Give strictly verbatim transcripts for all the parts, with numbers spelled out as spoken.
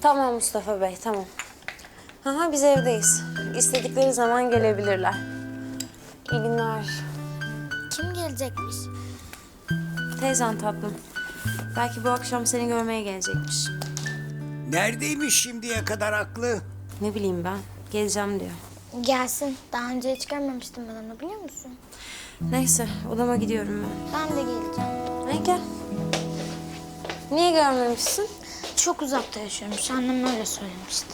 Tamam Mustafa Bey, tamam. Aha, biz evdeyiz. İstedikleri zaman gelebilirler. İyi günler. Kim gelecekmiş? Teyzen tatlım. Belki bu akşam seni görmeye gelecekmiş. Neredeymiş şimdiye kadar aklı? Ne bileyim ben, geleceğim diyor. Gelsin. Daha önce hiç görmemiştim ben onu, biliyor musun? Neyse, odama gidiyorum ben. Ben de geleceğim. Ay gel. Niye görmemişsin? Çok uzakta yaşıyormuş. Annem öyle söylemişti.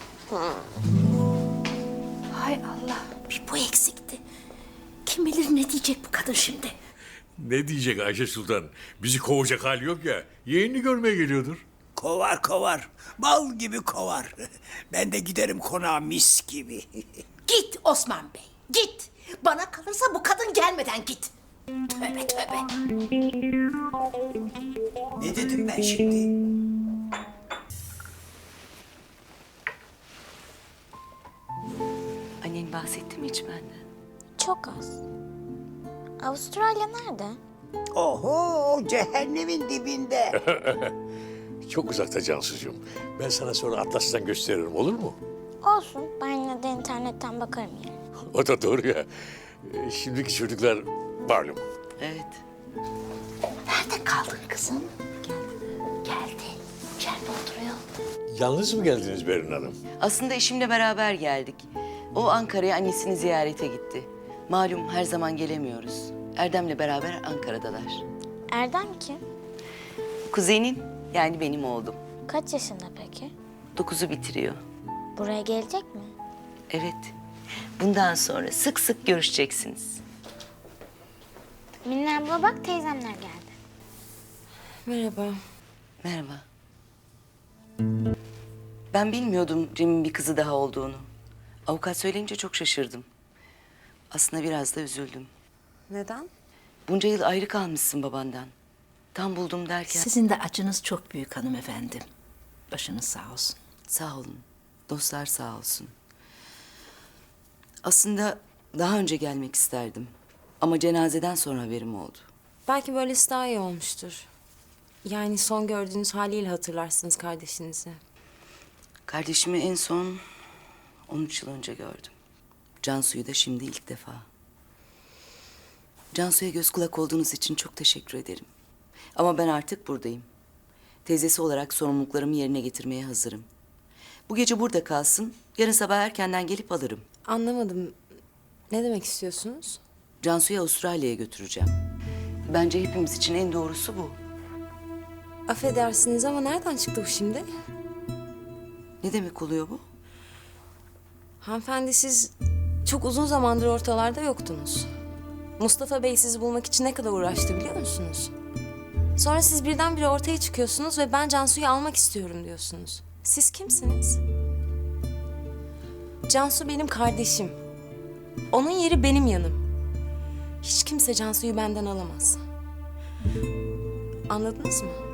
Hay Allah, bir bu eksikti. Kim bilir ne diyecek bu kadın şimdi? Ne diyecek Ayşe Sultan? Bizi kovacak hali yok ya. Yeğenini görmeye geliyordur. Kovar kovar. Bal gibi kovar. Ben de giderim konağa mis gibi. Git Osman Bey, git. Bana kalırsa bu kadın gelmeden git. Tövbe tövbe. Ne dedim ben şimdi? Annen bahsetti mi hiç benden? Çok az. Avustralya nerede? Oho, cehennemin dibinde. Çok uzakta Cansucuğum. Ben sana sonra Atlas'tan gösteririm, olur mu? Olsun. Ben yine de internetten bakarım yani. O da doğru ya. Ee, Şimdiki çocuklar malum. Evet. Nerede kaldın kızım? Geldi. Geldi. İçeride oturuyor. Yalnız mı geldiniz Berin Hanım? Aslında eşimle beraber geldik. O Ankara'ya annesini ziyarete gitti. Malum her zaman gelemiyoruz. Erdem'le beraber Ankara'dalar. Erdem kim? Kuzenin, yani benim oğlum. Kaç yaşında peki? Dokuzu bitiriyor. Buraya gelecek mi? Evet. Bundan sonra sık sık görüşeceksiniz. Minna abla bak, teyzemler geldi. Merhaba. Merhaba. Ben bilmiyordum Cem'in bir kızı daha olduğunu. Avukat söyleyince çok şaşırdım. Aslında biraz da üzüldüm. Neden? Bunca yıl ayrı kalmışsın babandan. Tam buldum derken... Sizin de acınız çok büyük hanımefendi. Başınız sağ olsun. Sağ olun. Dostlar sağ olsun. Aslında daha önce gelmek isterdim. Ama cenazeden sonra haberim oldu. Belki böylesi daha iyi olmuştur. Yani son gördüğünüz haliyle hatırlarsınız kardeşinizi. Kardeşimi en son on üç yıl önce gördüm. Cansu'yu da şimdi ilk defa. Cansu'ya göz kulak olduğunuz için çok teşekkür ederim. Ama ben artık buradayım. Teyzesi olarak sorumluluklarımı yerine getirmeye hazırım. Bu gece burada kalsın, yarın sabah erkenden gelip alırım. Anlamadım. Ne demek istiyorsunuz? Cansu'yu Avustralya'ya götüreceğim. Bence hepimiz için en doğrusu bu. Affedersiniz ama nereden çıktı bu şimdi? Ne demek oluyor bu? Hanımefendi, siz çok uzun zamandır ortalarda yoktunuz. Mustafa Bey sizi bulmak için ne kadar uğraştı biliyor musunuz? Sonra siz birdenbire ortaya çıkıyorsunuz ve ben Cansu'yu almak istiyorum diyorsunuz. Siz kimsiniz? Cansu benim kardeşim. Onun yeri benim yanım. Hiç kimse Cansu'yu benden alamaz. Anladınız mı?